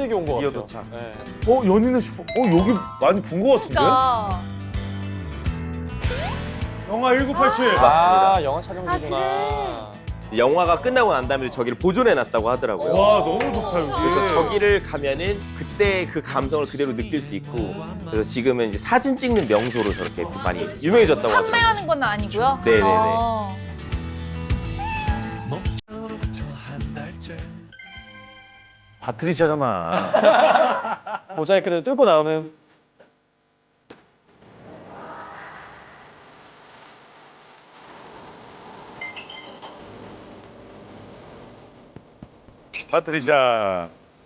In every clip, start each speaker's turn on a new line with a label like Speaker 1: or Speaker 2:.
Speaker 1: 힘들게 온 거 같아요.
Speaker 2: 드디어 도착.
Speaker 1: 네.
Speaker 3: 연인의 슈퍼. 여기 많이 본 거 같은데?
Speaker 4: 그러니까.
Speaker 3: 영화 1987.
Speaker 2: 맞습니다.
Speaker 1: 아, 영화 촬영지구나.
Speaker 2: 영화가 끝나고 난 다음에 저기를 보존해놨다고 하더라고요.
Speaker 3: 와, 너무 좋다, 여기.
Speaker 2: 그래서 저기를 가면은 그때 그 감성을 그대로 느낄 수 있고, 그래서 지금은 이제 사진 찍는 명소로 저렇게 많이 유명해졌다고 하더라고요.
Speaker 4: 판매하는 건 아니고요?
Speaker 2: 네네네.
Speaker 3: 바트리샤잖아.
Speaker 1: 모자이크를 뚫고 나오는.
Speaker 3: 바트리샤.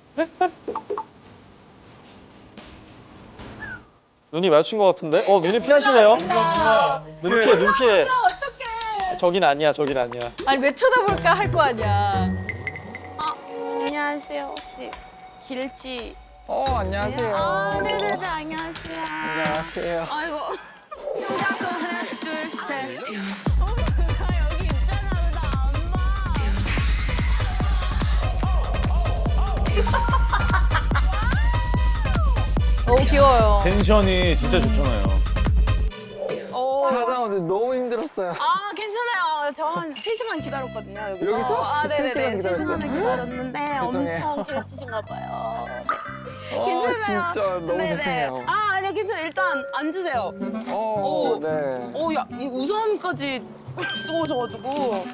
Speaker 1: 눈이 마주친 것 같은데? 눈이 피하시네요. 눈 피해.
Speaker 4: 어떡해.
Speaker 1: 저긴 아니야, 저긴 아니야.
Speaker 4: 아니, 왜 쳐다볼까 할 거 아니야.
Speaker 5: 안녕하세요. 혹시 길치?
Speaker 6: 안녕하세요.
Speaker 5: 아, 네네네, 안녕하세요.
Speaker 6: 안녕하세요.
Speaker 5: 아이고. 하나, 둘, 셋. 나 여기 있잖아. 왜 나 안 봐?
Speaker 4: 너무 귀여워요.
Speaker 3: 텐션이 진짜 좋잖아요.
Speaker 6: 찾아오는데 너무 힘들었어요.
Speaker 5: 아, 괜찮아요. 저 한 3시간 기다렸거든요. 여기서.
Speaker 6: 여기서?
Speaker 5: 아, 네네네.
Speaker 6: 3시간 기다렸어요?
Speaker 5: 3시간을 기다렸는데
Speaker 6: 죄송해요.
Speaker 5: 엄청 길치신가 봐요. 괜찮아요.
Speaker 6: 진짜 너무
Speaker 5: 네네.
Speaker 6: 죄송해요.
Speaker 5: 아, 아니요, 괜찮아요. 일단 앉으세요. 오.
Speaker 6: 네.
Speaker 5: 야, 이 우산까지 쓰고 오셔가지고.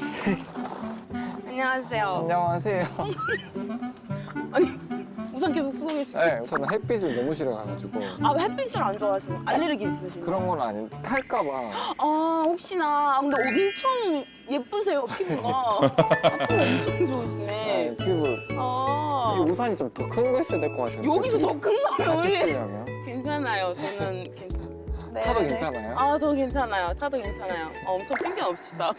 Speaker 5: 안녕하세요.
Speaker 6: 안녕하세요.
Speaker 5: 아니, 우산 계속 쓰고 계시고.
Speaker 6: 네, 저는 햇빛을 너무 싫어해가지고
Speaker 5: 아, 햇빛을 안 좋아하시는 알레르기 있으신가요?
Speaker 6: 그런 건 아닌데 탈까봐.
Speaker 5: 아, 혹시나. 아, 근데 엄청 예쁘세요, 피부가. 피부 엄청 좋으시네.
Speaker 6: 네, 피부.
Speaker 5: 아,
Speaker 6: 이 우산이 좀 더 큰 거 있어야 될 것 같은데.
Speaker 5: 여기서 더 큰 거를
Speaker 6: 같이
Speaker 5: 우리.
Speaker 6: 쓰려면?
Speaker 5: 괜찮아요. 저는 괜찮아요. 네,
Speaker 6: 타도
Speaker 5: 네.
Speaker 6: 괜찮아요?
Speaker 5: 아, 저 괜찮아요. 타도 괜찮아요. 엄청 핑계 없시다.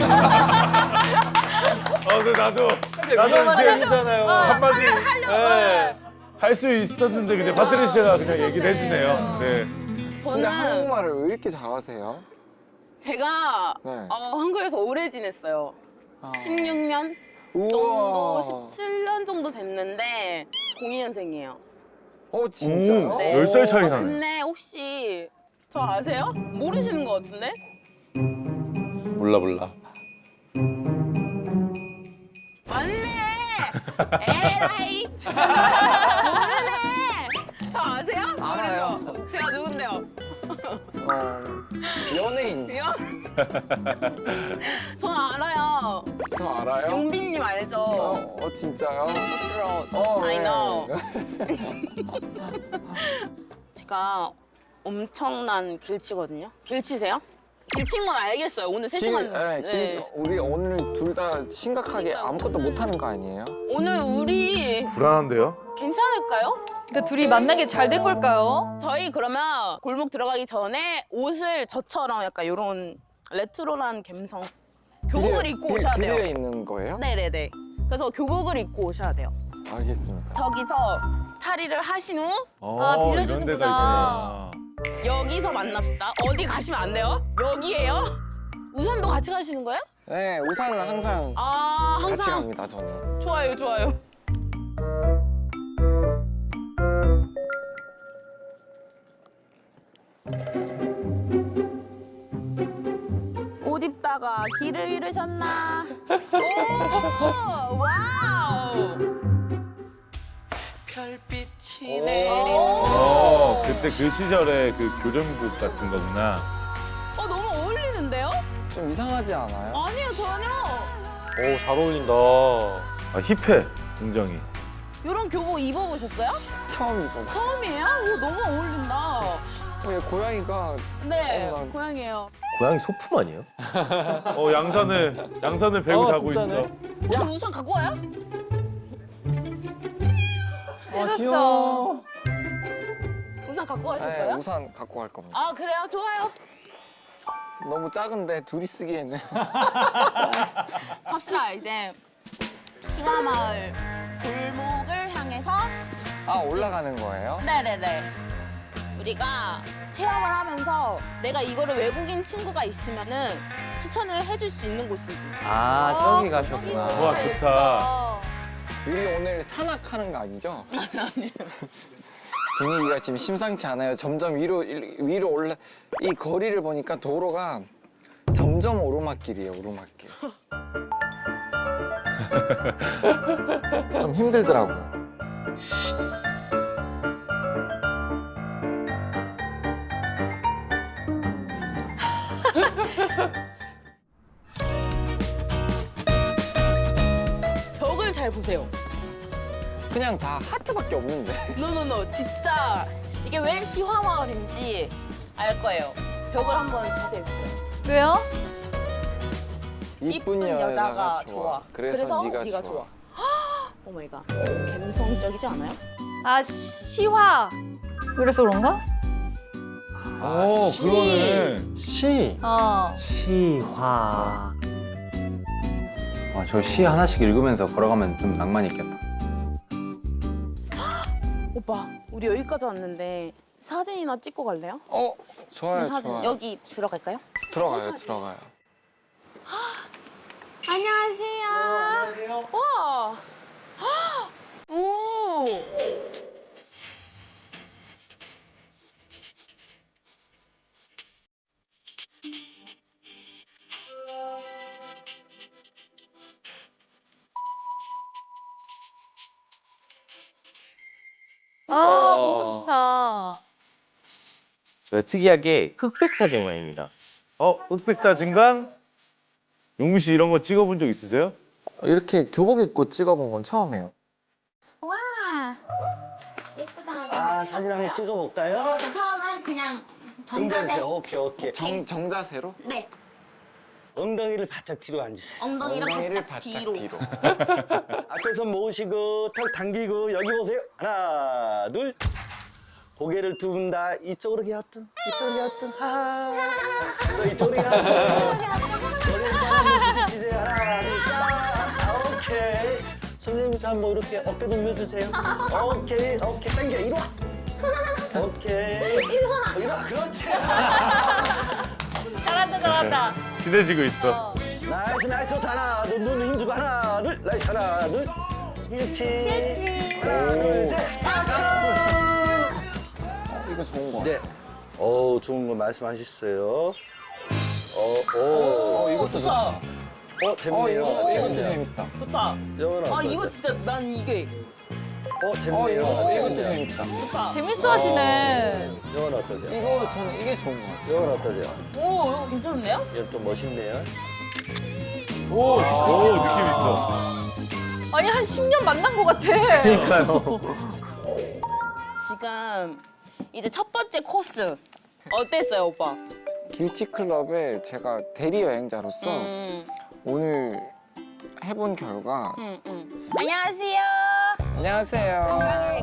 Speaker 3: 근데 나도 이제
Speaker 1: 괜찮아요.
Speaker 3: 한마디
Speaker 1: 네.
Speaker 3: 할 수 있었는데 근데 바트리샤가 그냥 얘기를 해주네요. 네.
Speaker 6: 근데
Speaker 5: 저는
Speaker 6: 한국말을 왜 이렇게 잘하세요?
Speaker 5: 제가
Speaker 6: 네.
Speaker 5: 한국에서 오래 지냈어요.
Speaker 6: 아.
Speaker 5: 16년
Speaker 6: 우와.
Speaker 5: 정도, 17년 정도 됐는데 02년생이에요.
Speaker 6: 진짜요?
Speaker 5: 네.
Speaker 3: 10살 차이 나네.
Speaker 5: 근데 혹시 저 아세요? 모르시는 것 같은데?
Speaker 1: 몰라.
Speaker 5: 맞네! 에라이! 모르네! 저 아세요?
Speaker 6: 알아요.
Speaker 5: 모르죠? 제가 누군데요?
Speaker 6: 연예인.
Speaker 5: 전 알아요.
Speaker 6: 저 알아요?
Speaker 5: 용빈님 알죠?
Speaker 6: 진짜요?
Speaker 5: 그렇죠. I know.
Speaker 6: 네.
Speaker 5: 제가 엄청난 길치거든요. 길치세요? 길친 건 알겠어요. 오늘 3시간.
Speaker 6: 우리 오늘 둘 다 심각하게 아무것도 못하는 거 아니에요?
Speaker 5: 오늘 우리
Speaker 3: 불안한데요?
Speaker 5: 괜찮을까요?
Speaker 4: 그러니까 둘이 만나게 잘 된 걸까요?
Speaker 5: 저희 그러면 골목 들어가기 전에 옷을 저처럼 약간 이런 레트로한 감성 교복을 입고 오셔야 돼요.
Speaker 6: 비닐에 있는 거예요?
Speaker 5: 네네네. 그래서 교복을 입고 오셔야 돼요.
Speaker 6: 알겠습니다.
Speaker 5: 저기서 탈의를 하신 후
Speaker 3: 이런
Speaker 4: 빌려주는구나.
Speaker 3: 데가 있구나.
Speaker 5: 여기서 만납시다. 어디 가시면 안 돼요? 여기예요? 우산도 같이 가시는 거예요?
Speaker 6: 네, 우산은 항상
Speaker 5: 아,
Speaker 6: 같이
Speaker 5: 항상
Speaker 6: 갑니다, 저는.
Speaker 5: 좋아요, 좋아요. 옷 입다가 길을 잃으셨나? 오, 와우. 별빛이
Speaker 3: 그때 그 시절에 그 교정복 같은 거구나.
Speaker 5: 너무 어울리는데요?
Speaker 6: 좀 이상하지 않아요?
Speaker 5: 아니요, 전혀.
Speaker 1: 잘 어울린다.
Speaker 3: 힙해, 굉장히.
Speaker 5: 이런 교복 입어보셨어요?
Speaker 6: 처음 입어봐.
Speaker 5: 처음이에요? 오, 너무 어울린다.
Speaker 6: 왜 고양이가
Speaker 5: 네,
Speaker 6: 난-
Speaker 5: 고양이에요.
Speaker 2: 고양이 소품 아니에요?
Speaker 3: 양산을 배우 자고
Speaker 1: 진짜네.
Speaker 3: 있어.
Speaker 5: 혹시 우산 갖고 와요?
Speaker 4: 해줬어.
Speaker 5: 우산 갖고
Speaker 6: 네,
Speaker 5: 가셨어요?
Speaker 6: 우산 갖고 갈 겁니다.
Speaker 5: 아, 그래요? 좋아요.
Speaker 6: 너무 작은데 둘이 쓰기에는.
Speaker 5: 갑시다, 이제. 싱화마을 골목을 향해서.
Speaker 6: 올라가는 거예요?
Speaker 5: 네네네. 우리가 체험을 하면서 내가 이거를 외국인 친구가 있으면은 추천을 해줄 수 있는 곳인지.
Speaker 1: 저기 가셨구나.
Speaker 3: 와, 좋다.
Speaker 6: 우리 오늘 산악하는 거 아니죠? 아니요. 분위기가 지금 심상치 않아요. 점점 위로 올라. 이 거리를 보니까 도로가 점점 오르막길이에요. 오르막길. 좀 힘들더라고.
Speaker 5: 벽을 잘 보세요.
Speaker 6: 그냥 다 하트밖에 없는데.
Speaker 5: 노노노 진짜 이게 왜 시화마을인지 알 거예요. 벽을 한번 자세히 보세요.
Speaker 4: 왜요?
Speaker 5: 이쁜 여자가 좋아.
Speaker 6: 그래서 네가 좋아.
Speaker 5: 오 마이 갓. 감성적이지 않아요?
Speaker 4: 아, 시화. 그래서 그런가?
Speaker 3: 어, 그러네.
Speaker 1: 시.
Speaker 4: 시화.
Speaker 7: 저 시 하나씩 읽으면서 걸어가면 좀 낭만이 있겠다.
Speaker 5: 오빠, 우리 여기까지 왔는데 사진이나 찍고 갈래요?
Speaker 6: 좋아요,
Speaker 5: 사진
Speaker 6: 좋아요.
Speaker 5: 여기 들어갈까요?
Speaker 6: 들어가요, 들어가요.
Speaker 5: 안녕하세요. 안녕하세요. 와. 오.
Speaker 4: 너무 좋다.
Speaker 2: 특이하게 흑백 사진 모양입니다.
Speaker 3: 흑백 사진관? 용민 씨 이런 거 찍어본 적 있으세요?
Speaker 6: 이렇게 교복 입고 찍어본 건 처음이에요.
Speaker 8: 아, 사진 한번 찍어볼까요?
Speaker 5: 처음은 그냥
Speaker 8: 정자세. 오케이.
Speaker 6: 정자세로?
Speaker 5: 네.
Speaker 8: 엉덩이를 바짝 뒤로 앉으세요.
Speaker 5: 엉덩이를 바짝 뒤로.
Speaker 8: 앞에서 모으시고 턱 당기고 여기 보세요. 하나, 둘. 고개를 두 분 다 이쪽으로 기었든 이쪽으로 기었든 하하. 또 이쪽으로 기었든. 머리를 한번 부딪히세요. 하나, 둘, 딱. 오케이. 선생님도 한번 이렇게 어깨 동여주세요. 오케이. 당겨. 이리 와. 오케이. 이리 와. 그렇지.
Speaker 4: 잘한다.
Speaker 3: 친해지고 있어.
Speaker 8: 나이스. 하나, 둘. 눈 힘주고 하나, 둘. 나이스. 하나, 둘. 그렇지. 하나, 둘, 셋.
Speaker 6: 이거 좋은 거.
Speaker 8: 네. 좋은 거 말씀하셨어요.
Speaker 6: 이것도 좋다.
Speaker 8: 재밌네요.
Speaker 6: 이것도
Speaker 8: 재밌네요.
Speaker 6: 재밌다.
Speaker 5: 좋다.
Speaker 8: 이거는
Speaker 5: 아
Speaker 8: 어떠세요?
Speaker 5: 이거 진짜 난 이게
Speaker 8: 재밌네요.
Speaker 6: 이것도
Speaker 8: 재밌네요.
Speaker 6: 재밌다.
Speaker 5: 좋다.
Speaker 4: 재밌어 하시네.
Speaker 8: 이건 어떠세요?
Speaker 6: 이거 저는 이게 좋은 거 같아요.
Speaker 8: 이건 어떠세요?
Speaker 5: 오 이거 괜찮은데요?
Speaker 8: 이건 또 멋있네요.
Speaker 3: 오, 느낌 있어.
Speaker 4: 아니, 한 10년 만난 것 같아.
Speaker 5: 지금 이제 첫 번째 코스 어땠어요 오빠?
Speaker 6: 길치클럽에 제가 대리 여행자로서
Speaker 5: 음.
Speaker 6: 오늘 해본 결과
Speaker 5: 안녕하세요.
Speaker 6: 안녕하세요.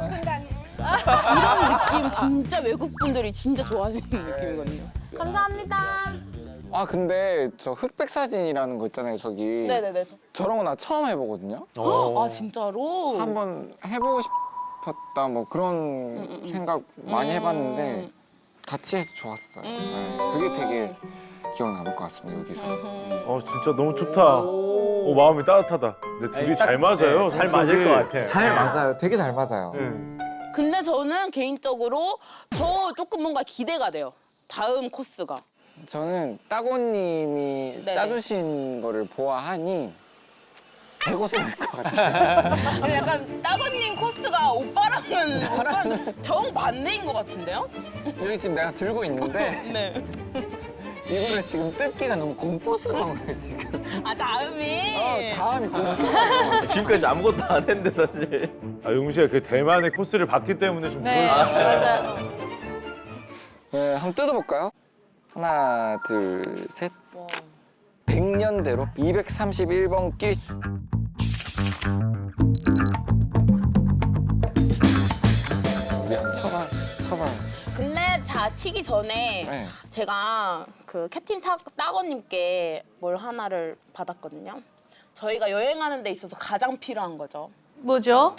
Speaker 5: 이런 느낌 진짜 외국 분들이 진짜 좋아하시는 느낌이거든요. 감사합니다.
Speaker 6: 아 근데 저 흑백 사진이라는 거 있잖아요 저기.
Speaker 5: 네네네.
Speaker 6: 저런 거 나 처음 해보거든요.
Speaker 5: 아 진짜로?
Speaker 6: 한번 해보고 싶었다 뭐 그런 생각 많이 해봤는데 같이 해서 좋았어요. 네, 그게 되게 기억 남을 것 같습니다 여기서.
Speaker 3: 진짜 너무 좋다. 마음이 따뜻하다. 근데 둘이 잘 맞아요.
Speaker 1: 잘 맞을 것 같아.
Speaker 6: 잘 맞아요. 되게 잘 맞아요.
Speaker 5: 근데 저는 개인적으로 더 조금 뭔가 기대가 돼요. 다음 코스가.
Speaker 6: 저는 따고님이
Speaker 5: 네네.
Speaker 6: 짜주신 거를 보아하니 개고생할 것 같아요.
Speaker 5: 근데 약간 따번님 코스가 오빠랑은 좀 정반대인 것 같은데요?
Speaker 6: 여기 지금 내가 들고 있는데
Speaker 5: 네.
Speaker 6: 이거를 지금 뜯기가 너무 공포스러운 거예요 지금.
Speaker 5: 아 다음이.
Speaker 6: 다음이 공포.
Speaker 2: 지금까지 아무것도 안 했는데 사실.
Speaker 3: 용민 씨가 그 대만의 코스를 봤기 때문에 좀
Speaker 4: 네,
Speaker 3: 무서울 수 있어요.
Speaker 4: 맞아요.
Speaker 6: 네, 한번 뜯어볼까요? 하나, 둘, 셋. 100년대로 231번 길. 우리 한번 쳐봐요.
Speaker 5: 근데 자 치기 전에
Speaker 6: 네.
Speaker 5: 제가 그 캡틴 따거님께 뭘 하나를 받았거든요. 저희가 여행하는 데 있어서 가장 필요한 거죠.
Speaker 4: 뭐죠?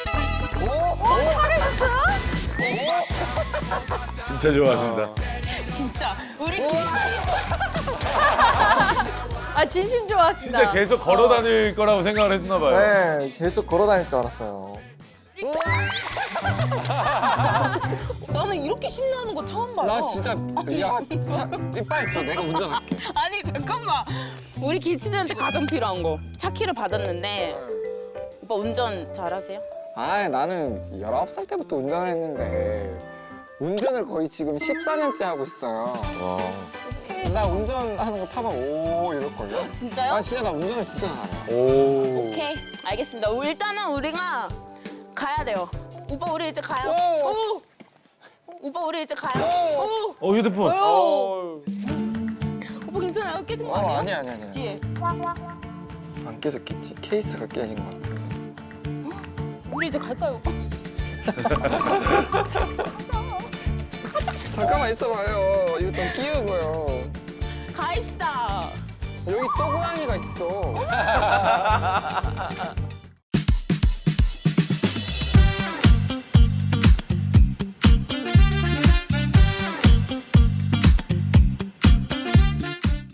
Speaker 3: 진짜 좋아하신다.
Speaker 5: 진짜 우리
Speaker 4: 아 진심 좋아하시다.
Speaker 3: 진짜 계속 걸어 다닐 거라고 생각을 했나 봐요.
Speaker 6: 네, 계속 걸어 다닐 줄 알았어요.
Speaker 5: 나는 이렇게 신나는 거 처음 봐요.
Speaker 6: 나 진짜 야, 빨리 줘. 내가 운전할게.
Speaker 5: 아니 잠깐만. 우리 기치들한테 가장 필요한 거. 차 키를 받았는데 오빠 운전 잘하세요?
Speaker 6: 아, 나는 19살 때부터 운전을 했는데 운전을 거의 지금 14년째 하고 있어요. 나 운전하는 거 타면 오 이럴걸요?
Speaker 5: 진짜요?
Speaker 6: 아, 진짜 나 운전을 진짜 잘해요.
Speaker 5: 오케이 알겠습니다. 일단은 우리가 가야 돼요. 오빠 우리 이제 가요. 오! 오빠 우리 이제 가요. 오!
Speaker 3: 휴대폰.
Speaker 5: 오빠 괜찮아요? 깨진 거 아니에요?
Speaker 6: 아니야.
Speaker 5: 뒤에.
Speaker 6: 안 깨졌겠지? 케이스가 깨진 것 같아.
Speaker 5: 우리 이제 갈까요, 오빠?
Speaker 6: 잠깐만 있어봐요. 이거 좀 끼우고요.
Speaker 5: 가입시다.
Speaker 6: 여기 또 고양이가 있어.